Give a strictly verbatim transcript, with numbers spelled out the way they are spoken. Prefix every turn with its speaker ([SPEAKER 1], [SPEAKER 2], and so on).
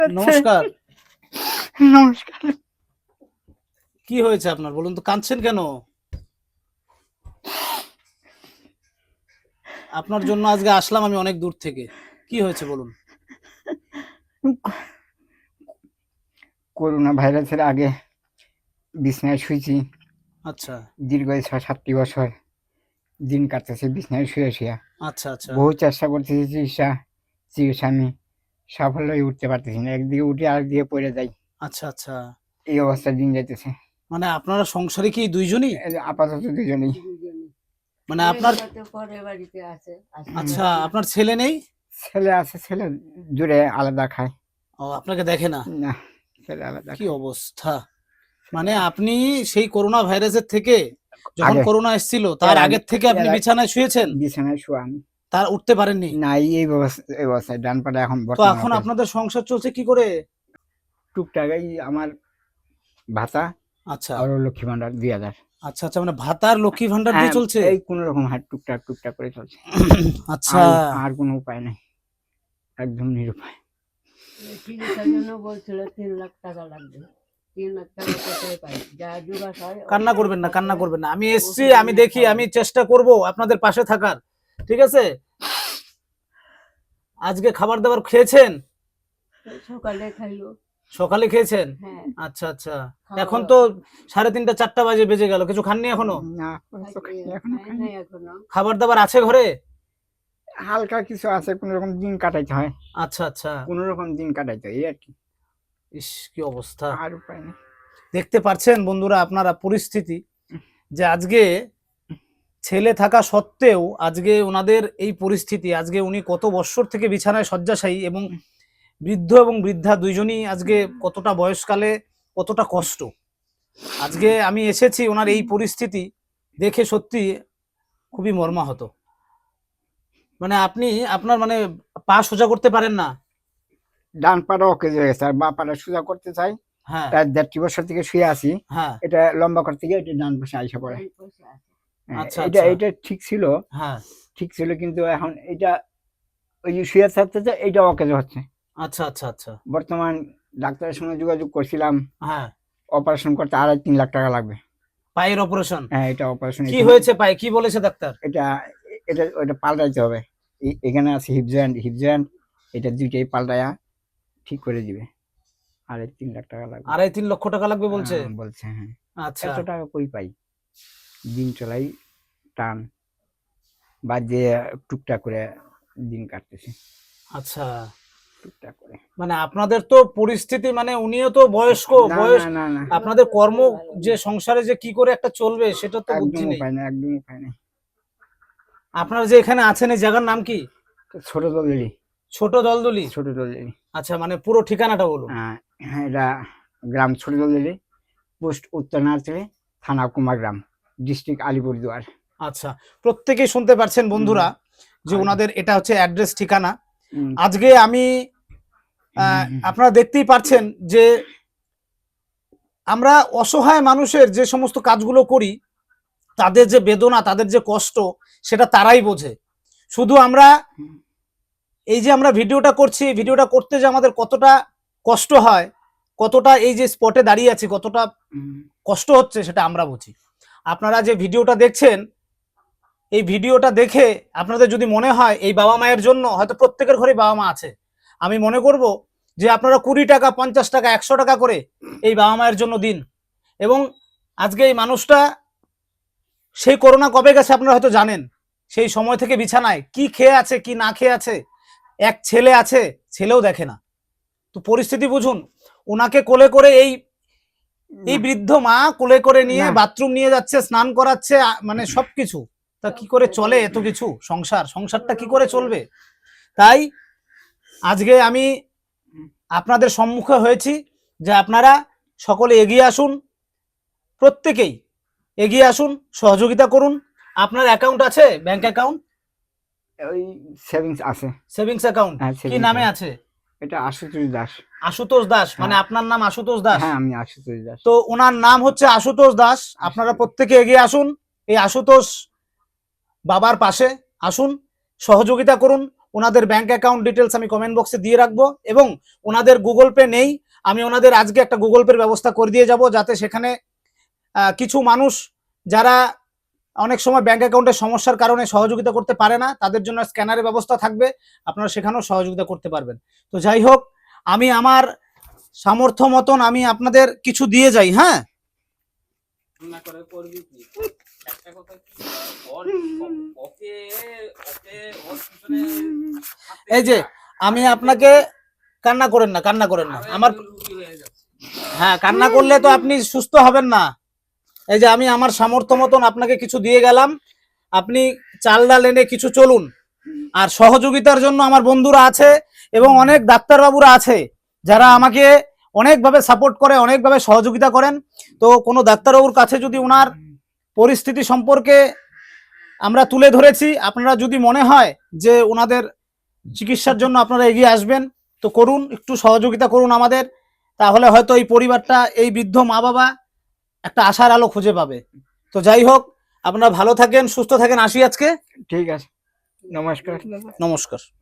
[SPEAKER 1] নমস্কার।
[SPEAKER 2] নমস্কার।
[SPEAKER 1] কি হয়েছে আপনার বলুন তো, কাঁদছেন কেন? আপনার জন্য আজকে আসলাম আমি অনেক দূর থেকে। কি হয়েছে বলুন?
[SPEAKER 2] করোনা ভাইরাসের আগে বিছানায় শুয়েছি।
[SPEAKER 1] আচ্ছা
[SPEAKER 2] দীর্ঘ ছয় সাতটি বছর দিন কাটতেছে বিছানায় শুয়ে শুয়ে।
[SPEAKER 1] আচ্ছা আচ্ছা
[SPEAKER 2] বহু চেষ্টা করতেছি চিকিৎসা চিকিৎসা আমি সাফল্যই উঠতে পারতেছি না। একদিকে উঠে আরেকদিকে পড়ে যাই।
[SPEAKER 1] আচ্ছা আচ্ছা
[SPEAKER 2] এই অবস্থায় দিন যাইতেছে।
[SPEAKER 1] মানে আপনারা সংসারে কি দুইজনই?
[SPEAKER 2] এই যে আপাতত দুজনেই।
[SPEAKER 1] মানে আপনার আচ্ছা আপনার ছেলে নেই?
[SPEAKER 2] ছেলে আছে, ছেলে দূরে আলাদা খায়।
[SPEAKER 1] ও আপনাকে দেখে না?
[SPEAKER 2] না, ছেলে আলাদা
[SPEAKER 1] কি
[SPEAKER 2] খায়।
[SPEAKER 1] অবস্থা! মানে আপনি সেই করোনা ভাইরাসের থেকে যখন
[SPEAKER 2] আগে
[SPEAKER 1] করোনা এসেছিল তার
[SPEAKER 2] এর আগে
[SPEAKER 1] আগের থেকে আপনি
[SPEAKER 2] এর আগে
[SPEAKER 1] বিছানায় শুয়েছেন,
[SPEAKER 2] বিছানায় শোয়া আমি।
[SPEAKER 1] তার উঠতে পারেননি?
[SPEAKER 2] না, এই অবস্থা এই অবস্থায় ডান পাটা এখন
[SPEAKER 1] তো
[SPEAKER 2] বর্তমানে
[SPEAKER 1] এখন
[SPEAKER 2] অকেজ।
[SPEAKER 1] আপনাদের সংসার চলছে কি করে?
[SPEAKER 2] টুকটাক এই আমার ভাতা
[SPEAKER 1] আচ্ছা
[SPEAKER 2] আর লক্ষ্মী ভান্ডার দুই হাজার।
[SPEAKER 1] আচ্ছা আচ্ছা মানে ভাতার লক্ষ্মী ভান্ডার দিয়ে
[SPEAKER 2] হ্যাঁ,
[SPEAKER 1] চলছে?
[SPEAKER 2] এই কোনো রকম হাট টুকটাক টুকটাক করে চলছে।
[SPEAKER 1] আচ্ছা
[SPEAKER 2] আর আর কোনো উপায় নাই, একদম নিরুপায়।
[SPEAKER 3] চিকিৎসার জন্য বলছিল তিন লাখ টাকা লাগবে। তিন লাখ টাকা কোথায় পাই? যা জোগাড় হয়
[SPEAKER 1] কান্না করবেন না, কান্না করবেন না। আমি এসছি, আমি দেখি, আমি চেষ্টা করব আপনাদের পাশে থাকার। ঠিক আছে? আজকে খাবার দাবার খেয়েছেন?
[SPEAKER 3] সকালে খাইলো।
[SPEAKER 1] সকালে খেয়েছেন?
[SPEAKER 3] হ্যাঁ,
[SPEAKER 1] আচ্ছা আচ্ছা। এখন তো সাড়ে তিনটা চারটা বাজে বেজে গেল, কিছু খাননি এখনো?
[SPEAKER 2] না, তো খাইনি, এখনো
[SPEAKER 3] খাই
[SPEAKER 2] খাইনি।
[SPEAKER 3] নাই এখনো।
[SPEAKER 1] খাবার দাবার আছে ঘরে?
[SPEAKER 2] হালকা কিছু আছে, কোনো রকম দিন কাটাইতে হয়,
[SPEAKER 1] আচ্ছা আচ্ছা।
[SPEAKER 2] কোনো রকম দিন কাটাইতে হয়, এই আর কি।
[SPEAKER 1] ইস কি অবস্থা!
[SPEAKER 2] আর উপায় নেই।
[SPEAKER 1] দেখতে পাচ্ছেন বন্ধুরা আপনারা পরিস্থিতি, যে আজকে ছেলে থাকা সত্ত্বেও আজকে ওনাদের এই পরিস্থিতি। আজকে উনি কত বৎসর থেকে বিছানায় শয্যাশায়ী, এবং বৃদ্ধ এবং বৃদ্ধা দুইজনই আজকে কতটা বয়সকালে কতটা কষ্ট। আজকে আমি এসেছি ওনার এই পরিস্থিতি দেখে সত্যি খুবই মর্মাহত। মানে আপনি আপনার মানে পা সোজা করতে পারেন না?
[SPEAKER 2] ডান পাটা অকেজ হয়ে গেছে, আর বা পাটা সোজা করতে চাই।
[SPEAKER 1] হ্যাঁ
[SPEAKER 2] প্রায় দেড়টি বছর থেকে শুয়ে আছি।
[SPEAKER 1] হ্যাঁ
[SPEAKER 2] এটা লম্বা করতে গিয়ে এটা ডান পাশে আইসা পড়ে।
[SPEAKER 3] এই পয়সা আছে।
[SPEAKER 2] হ্যাঁ,
[SPEAKER 1] আচ্ছা
[SPEAKER 2] এটা
[SPEAKER 1] আচ্ছা
[SPEAKER 2] এটা ঠিক ছিল,
[SPEAKER 1] হ্যাঁ
[SPEAKER 2] ঠিক ছিল, কিন্তু এখন এটা ওই যে শুয়ে থাকতে এইটা অকেজ হচ্ছে।
[SPEAKER 1] আচ্ছা আচ্ছা আচ্ছা
[SPEAKER 2] বর্তমান ডাক্তারের সঙ্গে যোগাযোগ করছিলাম,
[SPEAKER 1] হ্যাঁ।
[SPEAKER 2] অপারেশন করতে আড়াই তিন লাখ টাকা লাগবে।
[SPEAKER 1] পায়ের অপারেশন?
[SPEAKER 2] হ্যাঁ, এটা অপারেশন।
[SPEAKER 1] কি হয়েছে পায়ে, কি বলেছে ডাক্তার?
[SPEAKER 2] এটা এটা ওটা পাল্টাইতে হবে। এ- এখানে আছে হিপ জয়েন্ট, হিপ জয়েন্ট এটা দুইটাই পাল্টায়া ঠিক করে দিবে। আড়াই তিন লাখ টাকা লাগবে।
[SPEAKER 1] আড়াই তিন লক্ষ টাকা লাগবে বলছে?
[SPEAKER 2] হ্যাঁ, বলছে। হ্যাঁ,
[SPEAKER 1] আচ্ছা
[SPEAKER 2] এত টাকা কই পাই? দিন চলাই টান, বা যে টুকটাক করে দিন কাটতেছে,
[SPEAKER 1] আচ্ছা।
[SPEAKER 2] টুকটাক করে।
[SPEAKER 1] মানে আপনাদের তো পরিস্থিতি, মানে উনিও তো বয়স্ক
[SPEAKER 2] না
[SPEAKER 1] বয়স,
[SPEAKER 2] না না না,
[SPEAKER 1] আপনাদের কর্ম যে সংসারে যে কি করে একটা চলবে সেটা তো
[SPEAKER 2] একদম
[SPEAKER 1] বুদ্ধি নেই।
[SPEAKER 2] উপায় নেই, একদম উপায় নেই।
[SPEAKER 1] আপনারা যে এখানে আছেন এই জায়গার নাম কি?
[SPEAKER 2] ছোট দলিলি,
[SPEAKER 1] ছোট দলদলি?
[SPEAKER 2] ছোট দলিলি।
[SPEAKER 1] আচ্ছা মানে পুরো ঠিকানাটা বলুন।
[SPEAKER 2] হ্যাঁ, এটা গ্রাম ছোট দলিলি, পোস্ট উত্তর নার্সারি, থানা কুমারগ্রাম, ডিস্ট্রিক্ট আলিপুরদুয়ার।
[SPEAKER 1] আচ্ছা, প্রত্যেকেই শুনতে পারছেন বন্ধুরা যে
[SPEAKER 2] হুম।
[SPEAKER 1] ওনাদের এটা হচ্ছে অ্যাড্রেস, ঠিকানা।
[SPEAKER 2] হুম,
[SPEAKER 1] আজকে আমি আহ,
[SPEAKER 2] হুম,
[SPEAKER 1] আপনারা দেখতেই পাচ্ছেন যে আমরা অসহায় মানুষের যে সমস্ত কাজগুলো করি, তাদের যে বেদনা, তাদের যে কষ্ট, সেটা তারাই বোঝে। শুধু আমরা
[SPEAKER 2] হুম,
[SPEAKER 1] এই যে আমরা ভিডিওটা করছি, ভিডিওটা করতে যে আমাদের কতটা কষ্ট হয়, কতটা এই যে স্পটে দাঁড়িয়ে আছি কতটা
[SPEAKER 2] হুম।
[SPEAKER 1] কষ্ট হচ্ছে, সেটা আমরা বুঝি। আপনারা যে ভিডিওটা দেখছেন, এই ভিডিওটা দেখে আপনাদের যদি মনে হয় এই বাবা মায়ের জন্য, হয়তো প্রত্যেকের ঘরে বাবা মা আছে, আমি মনে করব যে আপনারা কুড়ি টাকা, পঞ্চাশ টাকা, একশো টাকা করে এই বাবা মায়ের জন্য দিন। এবং আজকে এই মানুষটা সেই করোনা কবে গেছে আপনারা হয়তো জানেন, সেই সময় থেকে বিছানায় কি খেয়ে আছে কি না খেয়ে আছে। এক ছেলে আছে, ছেলেও দেখে না। তো পরিস্থিতি বুঝুন। ওনাকে কোলে করে এই এই বৃদ্ধ মা কোলে করে নিয়ে
[SPEAKER 2] না।
[SPEAKER 1] বাথরুম নিয়ে যাচ্ছে, স্নান করাচ্ছে, আ- মানে সবকিছু। তা কি করে চলে এত কিছু সংসার? সংসারটা কি করে চলবে? তাই আজকে আমি আপনাদের সম্মুখে হয়েছি যে আপনারা সকলে এগিয়ে আসুন, প্রত্যেকেই এগিয়ে আসুন, সহযোগিতা করুন। আপনার অ্যাকাউন্ট আছে, ব্যাংক অ্যাকাউন্ট?
[SPEAKER 2] ওই সেভিংস আছে।
[SPEAKER 1] সেভিংস অ্যাকাউন্ট
[SPEAKER 2] হ্যাঁ,
[SPEAKER 1] কি
[SPEAKER 2] savings
[SPEAKER 1] নামে
[SPEAKER 2] আছে।
[SPEAKER 1] আছে?
[SPEAKER 2] এটা আশুতোষ দাস।
[SPEAKER 1] আশুতোষ দাস? মানে
[SPEAKER 2] হ্যাঁ।
[SPEAKER 1] আপনার নাম আশুতোষ দাস?
[SPEAKER 2] হ্যাঁ, আমি আশুতোষ দাস।
[SPEAKER 1] তো ওনার নাম হচ্ছে আশুতোষ দাস। আপনারা প্রত্যেকে এগিয়ে আসুন, এই আশুতোষ বাবার পাশে আসুন, সহযোগিতা করুন। ওনাদের ব্যাংক অ্যাকাউন্ট ডিটেলস আমি কমেন্ট বক্সে দিয়ে রাখবো, এবং ওনাদের গুগল পে নেই, আমি ওনাদের আজকে একটা গুগল পের ব্যবস্থা করে দিয়ে যাব, যাতে সেখানে আহ, কিছু মানুষ যারা অনেক সময় ব্যাংক অ্যাকাউন্টের সমস্যার কারণে সহযোগিতা করতে পারে না, তাদের জন্য স্ক্যানারের ব্যবস্থা থাকবে, আপনারা সেখানেও সহযোগিতা করতে পারবেন। তো যাই হোক, আমি আমার সামর্থ্য মতন আমি আপনাদের কিছু দিয়ে যাই। হ্যাঁ,
[SPEAKER 4] না করে করবি কি একটা কথা কি ওর ওকে ওকে ওর পিছনে
[SPEAKER 1] এই যে আমি আপনাকে, কান্না করেন না, কান্না করেন না আমার,
[SPEAKER 4] রুগী হয়ে যাচ্ছে।
[SPEAKER 1] হ্যাঁ কান্না করলে তো আপনি সুস্থ হবেন না। এই যে আমি আমার সামর্থ্য মতন আপনাকে কিছু দিয়ে গেলাম, আপনি চাল ডাল এনে কিছু চলুন। আর সহযোগিতার জন্য আমার বন্ধুরা আছে এবং অনেক ডাক্তারবাবুরা আছে যারা আমাকে অনেকভাবে সাপোর্ট করে, অনেকভাবে সহযোগিতা করেন। তো কোনো ডাক্তারবাবুর কাছে যদি ওনার পরিস্থিতি সম্পর্কে আমরা তুলে ধরেছি, আপনারা যদি মনে হয় যে ওনাদের চিকিৎসার জন্য আপনারা এগিয়ে আসবেন, তো করুন, একটু সহযোগিতা করুন আমাদের, তাহলে হয়তো এই পরিবারটা, এই বৃদ্ধ মা বাবা একটা আশার আলো খুঁজে পাবে। তো যাই হোক, আপনারা ভালো থাকেন, সুস্থ থাকেন, আসি আজকে।
[SPEAKER 2] ঠিক আছে, নমস্কার।
[SPEAKER 1] নমস্কার।